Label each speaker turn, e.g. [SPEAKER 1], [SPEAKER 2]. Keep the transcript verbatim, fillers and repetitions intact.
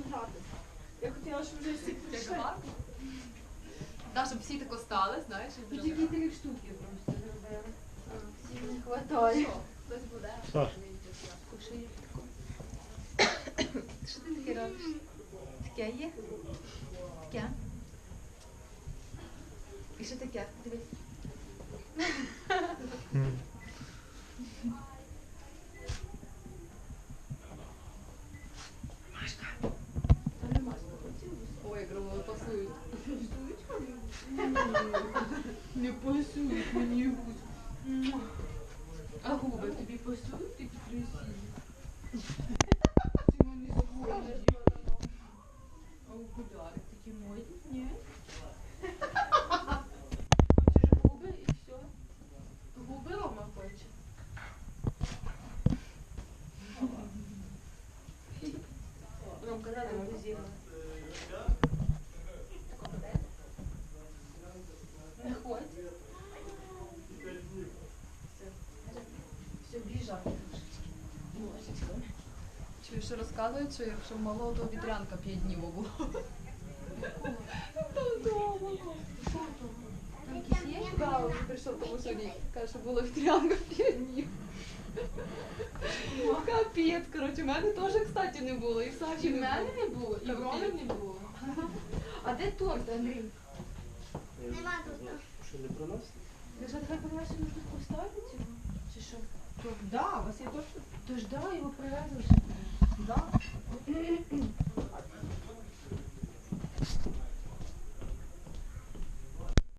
[SPEAKER 1] грати. Я хотіла, щоб вже всі прийшли.
[SPEAKER 2] Так, щоб всі тако стали, знаєш, і
[SPEAKER 1] Тут
[SPEAKER 2] вже
[SPEAKER 1] тільки три штуки просто зробили. Всім не хватає.
[SPEAKER 2] Що? Хтось буде?
[SPEAKER 3] Саш.
[SPEAKER 2] Кушає тако. Що ти таке робиш? Таке є? Таке? І що таке? Дивись.
[SPEAKER 1] Та нема хотів.
[SPEAKER 2] Ой, як робили, пасують.
[SPEAKER 1] Не пасують мені гусь. А губи тобі пасують, такі красиві. Ти мене згодиш. А окуляри такі модні, ні? Хочеш губи і все. Губи Рома хоче. Ромка, надо позіла. Не ходь. Все. Все, біжать трошечки. Божечко.
[SPEAKER 2] Чую, що розказують, що якщо в малого, то вітрянка п'ять днів було.
[SPEAKER 1] Там якісь є?
[SPEAKER 2] Да, він прийшов тому що рік. Каже, що було вітрянка п'ять днів. Капець, коротше, в мене теж, кстати, не було. І в Саші
[SPEAKER 1] І в
[SPEAKER 2] не
[SPEAKER 1] мене
[SPEAKER 2] було.
[SPEAKER 1] не було, і в Роми не було. А де торт, Андрій?
[SPEAKER 4] Нема тут.
[SPEAKER 3] Що не приносить?
[SPEAKER 1] Ви що, давай подивайся, ми тут поставити його? Чи що? Торт, да, у вас є торт? Тож да, його привезли. Да.